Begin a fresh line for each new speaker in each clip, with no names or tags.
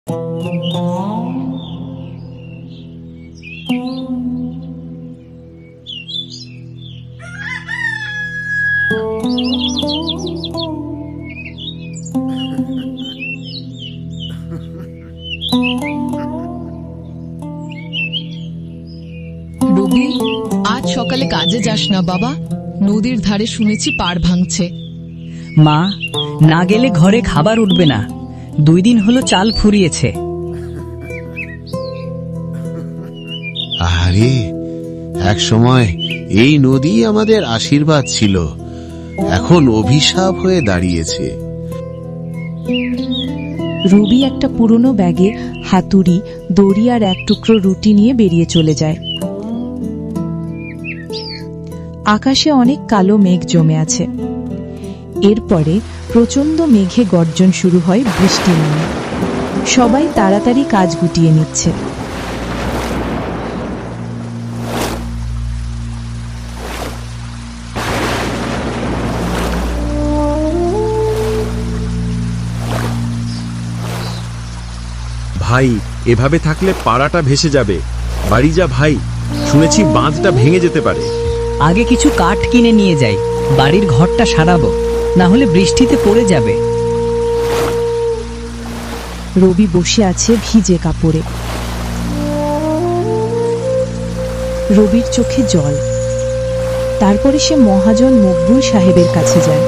রবি, আজ সকালে কাজে যাস না বাবা। নদীর ধারে শুনেছি পাড় ভাঙছে।
মা, না গেলে ঘরে খাবার উঠবে না। 2 দিন হলো চাল ফুরিয়েছে।
আরে, এক সময় এই নদী আমাদের আশীর্বাদ ছিল, এখন অভিশাপ হয়ে দাঁড়িয়েছে।
রবি একটা পুরনো ব্যাগে হাতুড়ি, দড়ি আর এক টুকরো রুটি নিয়ে বেরিয়ে চলে যায়। আকাশে অনেক কালো মেঘ জমে আছে। এরপরে প্রচন্ড মেঘে গর্জন শুরু হয়, বৃষ্টি নামে। সবাই তাড়াতাড়ি কাজ গুটিয়ে নিচ্ছে।
ভাই, এভাবে থাকলে পাড়াটা ভেসে যাবে। বাড়ি যা ভাই, শুনেছি বাঁধটা ভেঙে যেতে পারে।
আগে কিছু কাঠ কিনে নিয়ে যাই, বাড়ির ঘরটা সারাবো, না হলে বৃষ্টিতে পড়ে যাবে।
রবি বসে আছে ভিজে কাপড়ে। রবির চোখে জল। তারপরে সে মহাজন মকবুল সাহেবের কাছে যায়।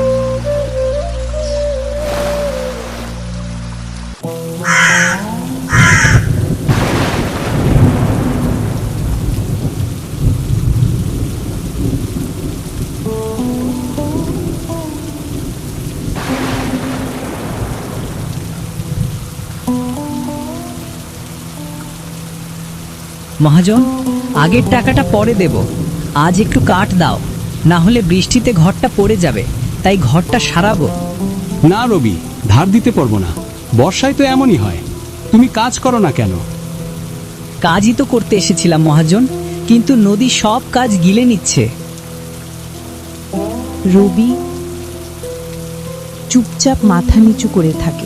মহাজন, আগের টাকাটা পরে দেব, আজ একটু কাঠ দাও, না হলে বৃষ্টিতে ঘরটা পড়ে যাবে, তাই ঘরটা সারাবো।
না রবি, ধার দিতে পারবো না। বর্ষায় তো এমনই হয়। তুমি কাজ করো না কেন?
কাজই তো করতে এসেছিলাম মহাজন, কিন্তু নদী সব কাজ গিলে নিচ্ছে।
রবি চুপচাপ মাথা নিচু করে থাকে।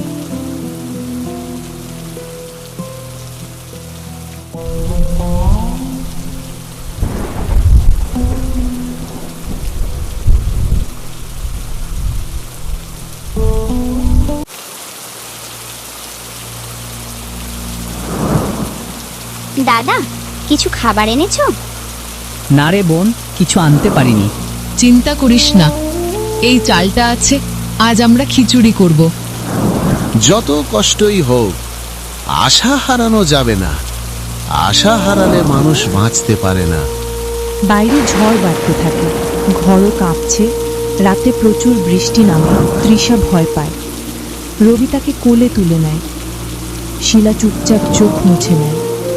দাদা, কিছু খাবার এনেছো?
না রে বোন, কিছু আনতে পারিনি।
চিন্তা করিস না, এই চালটা আছে, আজ আমরা খিচুড়ি করব।
যত কষ্টই হোক, আশা হারানো যাবে না। আশা হারালে মানুষ বাঁচতে পারে না।
বাইরে ঝড় বাড়তে থাকে, ঘরও কাঁপছে। রাতে প্রচুর বৃষ্টি নামে। তৃষা ভয় পায়। রবি তাকে কোলে তুলে নেয়। শিলা চুপচাপ চোখ মুছে নেয়।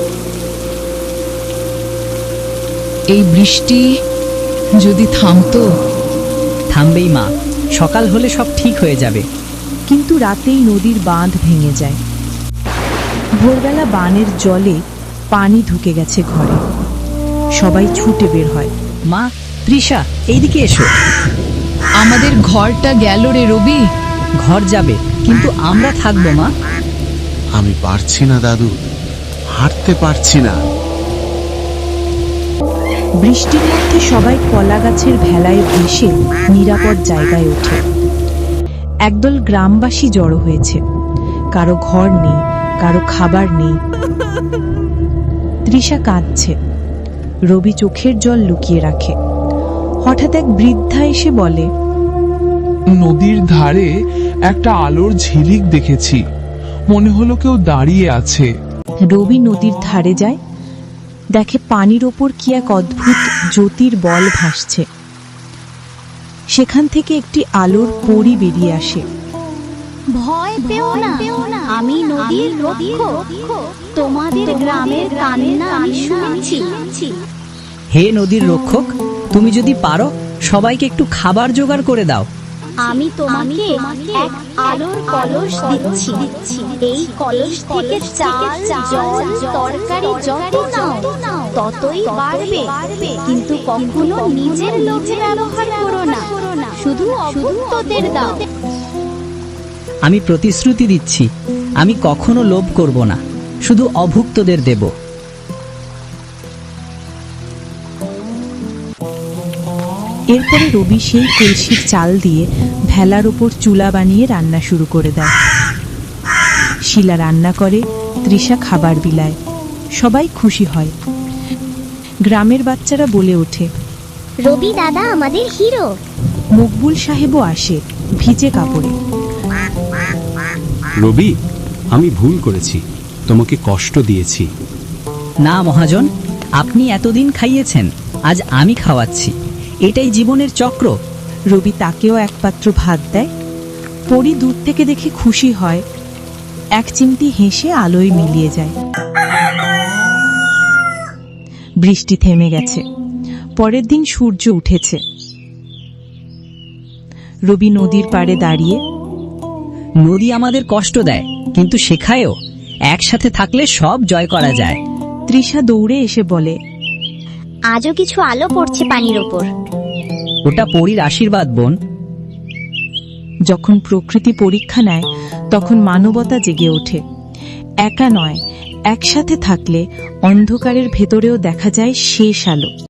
এই বৃষ্টি যদি থামতো।
থামবেই মা, সকাল হলে সব ঠিক হয়ে যাবে।
কিন্তু রাতেই নদীর বাঁধ ভেঙে যায়। ভোরবেলা বানের জলে পানি ঢুকে গেছে ঘরে। সবাই ছুটে বের হয়।
মা, তৃষা, এইদিকে এসো।
আমাদের ঘরটা গেল রে রবি।
ঘর যাবে, কিন্তু আমরা থাকবো মা।
আমি পারছি না দাদু, হাঁটতে পারছি না।
বৃষ্টির মধ্যে সবাই কলা গাছের ভেলায় ভেসে নিরাপদ জায়গায় ওঠে। একদল গ্রামবাসী জড়ো হয়েছে। কারো ঘর নেই, কারো খাবার নেই। তৃষা কাঁদছে। রবি চোখের জল লুকিয়ে রাখে। হঠাৎ এক বৃদ্ধা এসে বলে,
নদীর ধারে একটা আলোর ঝিলিক দেখেছি, মনে হলো কেউ দাঁড়িয়ে আছে।
রবি নদীর ধারে যায়। দেখে পানির ওপর কি এক অদ্ভুত জ্যোতির বল ভাসছে। সেখান থেকে একটি আলোর পরী বেরিয়ে আসে।
ভয় পেও না, আমি নদীর রক্ষক। তোমাদের গ্রামের কান্না আমি শুনেছি।
হে নদীর রক্ষক, তুমি যদি পারো সবাইকে একটু খাবার জোগাড় করে দাও।
আমি তোমাকে এক আলোর কলস দিচ্ছি। এই কলস থেকে চাল, জল, তরকারি যত নাও ততই বাড়বে। কিন্তু কখনো নিজের লোভে ব্যবহার করো না, শুধু অভুক্তদের দাও।
আমি প্রতিশ্রুতি দিচ্ছি, আমি কখনো লোভ করব না, শুধু অভুক্তদের দেব।
এরপরে রবি সেই কলসির চাল দিয়ে ভেলার ওপর চুলা বানিয়ে রান্না শুরু করে দেয়। শিলা রান্না করে, তৃষা খাবার বিলায়। সবাই খুশি হয়। গ্রামের বাচ্চারা বলে ওঠে,
রবি দাদা আমাদের হিরো।
মকবুল সাহেবও আসে ভিজে কাপড়ে।
রবি, আমি ভুল করেছি, তোমাকে কষ্ট দিয়েছি।
না মহাজন, আপনি এতদিন খাইয়েছেন, আজ আমি খাওয়াচ্ছি। এটাই জীবনের চক্র।
রবি তাকেও এক পাত্র ভাত দেয়। পরি দূর থেকে দেখে খুশি হয়, এক চিমটি হেসে আলোয় মিলিয়ে যায়। বৃষ্টি থেমে গেছে। পরের দিন সূর্য উঠেছে। রবি নদীর পাড়ে দাঁড়িয়ে,
নদী আমাদের কষ্ট দেয়, কিন্তু শেখায়ও একসাথে থাকলে সব জয় করা যায়।
তৃষা দৌড়ে এসে বলে,
আজও কিছু আলো পড়ছে পানির ওপর।
ওটা পরীর আশীর্বাদ বোন।
যখন প্রকৃতি পরীক্ষা নেয় তখন মানবতা জেগে ওঠে। একা নয়, একসাথে থাকলে অন্ধকারের ভেতরেও দেখা যায় শেষ আলো।